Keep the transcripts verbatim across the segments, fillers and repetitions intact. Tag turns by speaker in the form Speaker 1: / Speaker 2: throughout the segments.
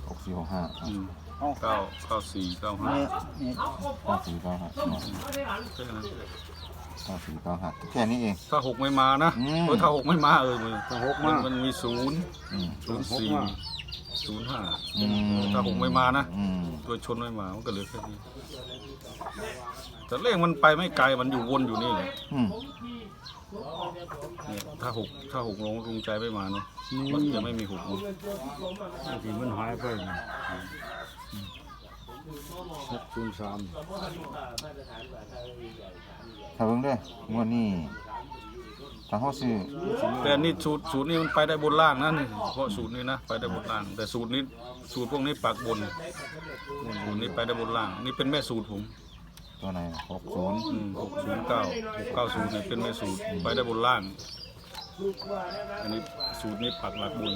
Speaker 1: หกสี่หกห้า
Speaker 2: อืมเก้าเก้าสี่เก้าห้า
Speaker 1: เก้าสี่เก้าห้า
Speaker 2: แค่นั้น
Speaker 1: เก้าสี่เก้าห้าแค่นี้เอง
Speaker 2: ถ้าหกไม่มานะเออถ้าหกไม่มาเออมัน
Speaker 3: ถ้าหก
Speaker 2: มั
Speaker 3: มาน
Speaker 2: มันมีศูนย์
Speaker 1: อืม
Speaker 2: ศูนย์สี่ศูนย์ห้า
Speaker 1: อืม
Speaker 2: ถ้าหกไม่มานะ
Speaker 1: อืม
Speaker 2: ตัวชนไม่มามันก็เหลือแค่นี้แต่เลขมันไปไม่ไกลมันอยู่วนอยู่นี่แหละ
Speaker 1: อืม
Speaker 2: เนี่ยถ้าหกถ้าหกลงลุงใจไม่มาเนาะมันจะไม่มีหกลง
Speaker 3: ที่มันหายไปนะหกศูนย์สาม
Speaker 1: ถ้าเบิ่งเด้องวดนี้ถ้าเขาซื้อ
Speaker 2: แต่นี่สูตรสูตรนี้มันไปได้บนล่างนะนี่เพราะสูตรนี้นะไปได้บนล่าง แต่สูตรนี้สูตรพวกนี้ปักบนสูตรนี้ไปได้บนล่างนี่เป็นแม่สูตรผม
Speaker 1: ตัวไหนหกศูนย์
Speaker 2: หกศูนย์เก้าหกเก้าศูนย์เนี่ยเป็นแม่สูตรไปได้บนล่างอันนี้สูตรนี้ปักหลักบน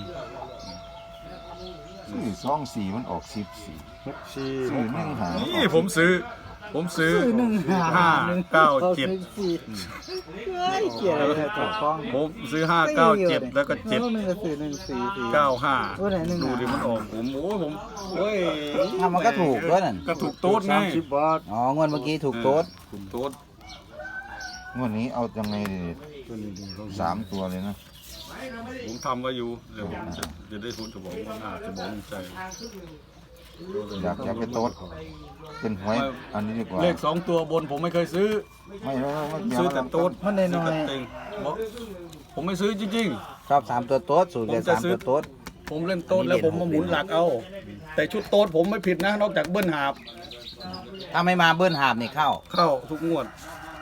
Speaker 1: ซื้อสองสี่มันออกสิบสี่
Speaker 3: หกสี่
Speaker 1: ซื้อหนึ่งหา
Speaker 2: นี่ผมซื้อ ผมซื้อห้าเก้าเจ็ด
Speaker 4: เกี่ยวอะไรกับกล้อง
Speaker 2: ผมซื้อห้าเก้าเจ็ดแล้วก็เจ็ด
Speaker 4: หนึ่งกับสี่หนึ่งสี่สี่
Speaker 2: เก้าห้า
Speaker 4: โอ้ไหนหนึ่ง
Speaker 2: ดูดิมันออกผมโอ้ยผมโอ้ย
Speaker 4: ทำมันก็ถูกด้วยนั่น
Speaker 2: ก็ถูกโต๊ดไง
Speaker 3: สามสิบบาท
Speaker 4: อ๋องวดเมื่อกี้ถูกโต๊ด
Speaker 2: ถูกโต๊ด
Speaker 1: งวดนี้เอายังไงดี
Speaker 3: ตัวนี้ดีต้อง
Speaker 1: สามตัวเลยนะ
Speaker 2: ผมทำไว้อยู่เดี๋ยวผมจะจะได้ทุนจะบอกว่าน่าจะบอกลุงใจ
Speaker 1: อยากอยากไปโต๊ดเป็นหวยอันนี้ดีกว่า
Speaker 2: เลขสองตัวบนผมไม่เคยซื้อ
Speaker 1: ไม่ไม่ไม่ไม่
Speaker 2: ซื้อแต่โต๊ด
Speaker 4: มันน้อย
Speaker 2: ซื้แต่เต็งบอกผมไม่ซื้อจริง
Speaker 4: ๆชอบสามตัวโต๊ดสูตรเดียว
Speaker 2: ผมจะ
Speaker 4: สาม
Speaker 2: ซื้อ
Speaker 4: ตัวโต๊ด
Speaker 2: ๆ ผมเล่นโต๊ดแล้วผมมาหมุนหลักเอา แต่ชุดโต๊ดผมไม่ผิดนะ นอกจากเบิ้ลหาบ
Speaker 4: ถ้าไม่มาเบิ้ลหาบนี่เข้า
Speaker 2: เข้าทุกงวด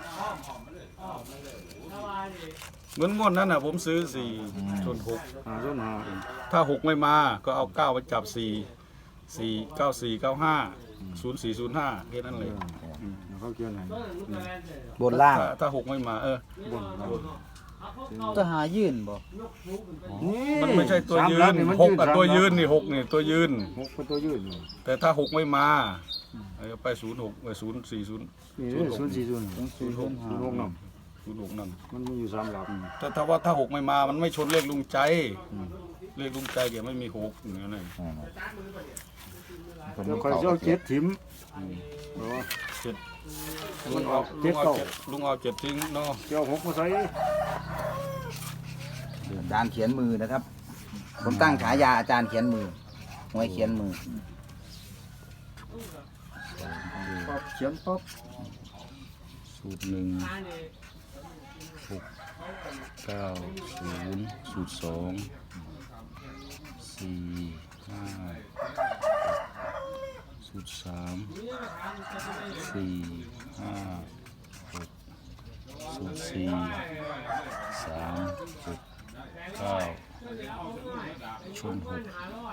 Speaker 2: เหมือนงวดนั้นน่ะผมซื้อสี่ชนหก
Speaker 3: หาต้นหา
Speaker 2: ถ้าหกไม่มาก็เอาเก้าไปจับสี่สี่เก้าสี่เก้าห้าศูนย์สี่ศูนย์ห้าแค่นั้นเลย
Speaker 3: อืมแล้วเขาเกี่ยวไหน
Speaker 4: บนล่าง
Speaker 2: ถ้าถ้าหกไม่มาเออ
Speaker 3: บน
Speaker 4: จะหายื่นบ่
Speaker 2: มันไม่ใช่ตัวยื
Speaker 3: สาม
Speaker 2: น
Speaker 3: ลัมัน
Speaker 2: หกกับ
Speaker 3: สาม
Speaker 2: ตัวยืน
Speaker 3: ลั
Speaker 2: นี่หกนี่ตัวยืน
Speaker 3: หกเป็นตัวยืนอยู่
Speaker 2: แต่ถ้าหกไม่มาเออไปศูนย์หกไปศูนย์สี่ศูนย์
Speaker 3: นี่เลยศูนย์สี่ศูนย์ศูนย์
Speaker 4: สี่ศูนย์
Speaker 3: หกน
Speaker 2: ศูนย์หกนั่น
Speaker 3: ำมันมีอยู่สามหลัก
Speaker 2: แต่ถ้าว่าถ้าหกไม่มามันไม่ชนเลขลุงใจเลขลุงใจเดี๋ยวไม่มีหกอย่างนั้นเลย
Speaker 1: อ่าคน
Speaker 3: แล้ว
Speaker 1: นี้
Speaker 3: คอย
Speaker 1: เก่า
Speaker 3: เจ้าเจ็ดถิ่มเออ
Speaker 2: เจ็ด
Speaker 3: มันออก
Speaker 2: ลุ
Speaker 3: เจ็ด
Speaker 2: งเอา
Speaker 3: เก้า
Speaker 2: เจ็ดลุงเอาเจ็ดทิ้งเนาะ
Speaker 3: เจ้าหกมาใส่
Speaker 4: อาจารย์เขียนมือนะครับ ผมตั้งฉายาอาจารย์เขียนมือหวยเขียนมือ
Speaker 3: ปั๊บเขียนปั๊บ
Speaker 2: สูตรหนึ่งหกเก้าศูนย์สูตรสองสี่ห้าสูตรสามสี่ห้าหกสูตรสี่สามหกเก้าชนหก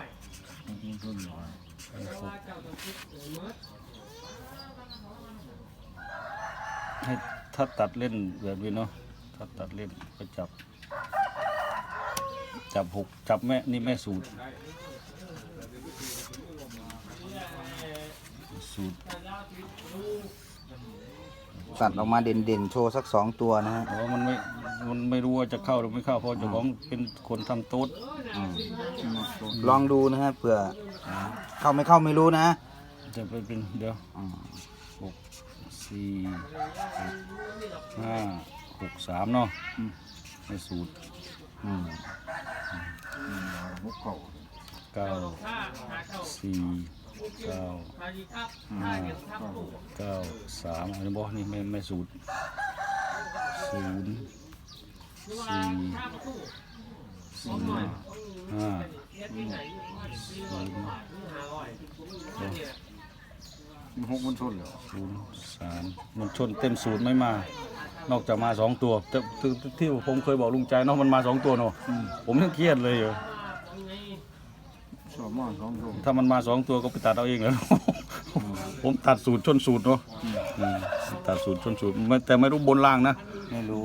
Speaker 2: ให้ถ้าตัดเล่นแบบนี้เนาะถ้าตัดเล่นก็จับ จับหกจับแม่นี่แม่สูตร สูตร
Speaker 4: ตัดออกมาเด่นๆโชว์สักสองตัวนะฮะ
Speaker 2: เพราะว่ามันไม่มันไม่รู้ว่าจะเข้าหรือไม่เข้าเพราะเจ้าของเป็นคนทำโต๊ด
Speaker 4: ลองดูนะฮะเผื่อเข้าไม่เข้าไม่รู้นะ
Speaker 2: จะไปเป็นเดี๋ยวหกสี่หกห้าหกสามเนาะในสูตร
Speaker 4: อืม
Speaker 2: เก้าสี่เก้าห้าเก้าสามอันนี้บอกนี่ไม่ไม่สูตรศูนย์สี่ศูนย์ห้าศูนย์
Speaker 3: หกมันชนเหรอ
Speaker 2: ศูนย์สามมันชนเต็มศูนย์ไม่มา นอกจากมาสองตัวแต่ที่ที่ผมเคยบอกลุงใจเนาะมันมาสองตัวเนาะผมยังเครียดเลยอยู่
Speaker 3: ชอบมากสองตัว
Speaker 2: ถ้ามันมาสองตัวก็ไปตัดเอาเองแล้ว ผมตัดสูตรชนสูตรเนาะอืมตัดสูตรชนสูตรไม่แต่ไม่รู้บนล่างนะ
Speaker 4: ไม่รู้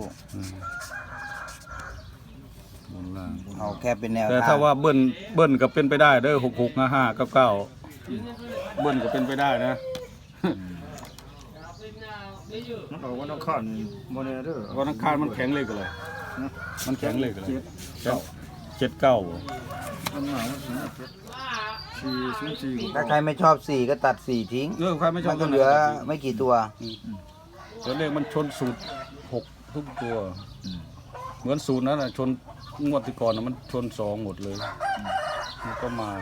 Speaker 2: บนล่าง
Speaker 4: เอาแค่เป็นแนว
Speaker 2: แต่
Speaker 4: ทา
Speaker 2: ถ้าง ว่าเบิ้ลเบิ้ลก็เป็นไปได้เด้อหกหกห้าห้าเก้าเก้าเบิ้ลก็เป็นไปได้นะ
Speaker 3: มันออกวันอังคารโมเนเดอร์
Speaker 2: วันอังคารมันแข็งเลยกันเลยมันแข็งเลยกันเลย
Speaker 3: เจ็ดเก้า
Speaker 2: เจ็ดเก้า
Speaker 3: มันหนาวมันสูงเจ็ดสี่ศูนย์สี่
Speaker 4: ถ้าใครไม่ชอบสี่ก็ตัดสี่ทิ้ง
Speaker 2: เรื่องใครไม่ชอ
Speaker 4: มั
Speaker 2: บ
Speaker 4: นก็เหลือไม่กี่ตัว
Speaker 2: ตัวเลขมันชนสูตรหกทุกตัว เหมือนสูตรนั้นนะชนงวดที่ก่อนนะมันชนสองหมดเลยมันก็มา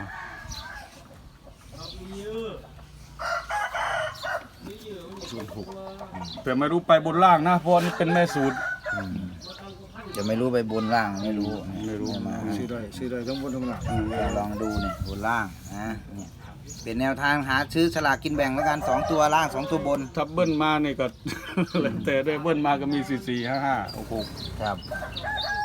Speaker 2: สูตรหกแต่ไม่รู้ไปบนล่างนะเพราะนี่เป็นแม่สูตร
Speaker 4: จะไม่รู้ไปบนล่างไม่รู้
Speaker 2: ไม่รู้
Speaker 4: มา
Speaker 3: ซื้อได้ซื้อได้ทั้งบนทั้งล่าง
Speaker 4: ลองดูนี่บนล่างนะเนี่ยเป็นแนวทางหาซื้อสลากกินแบ่งแล้วกันสองตัวล่างสองตัวบน
Speaker 2: ถ้าเบิ้ลมาเนี่ยก็ แล้วแต่ได้เบิ้ลมาก็มีสี่สี่ห้าห้าหกหก
Speaker 4: ครับ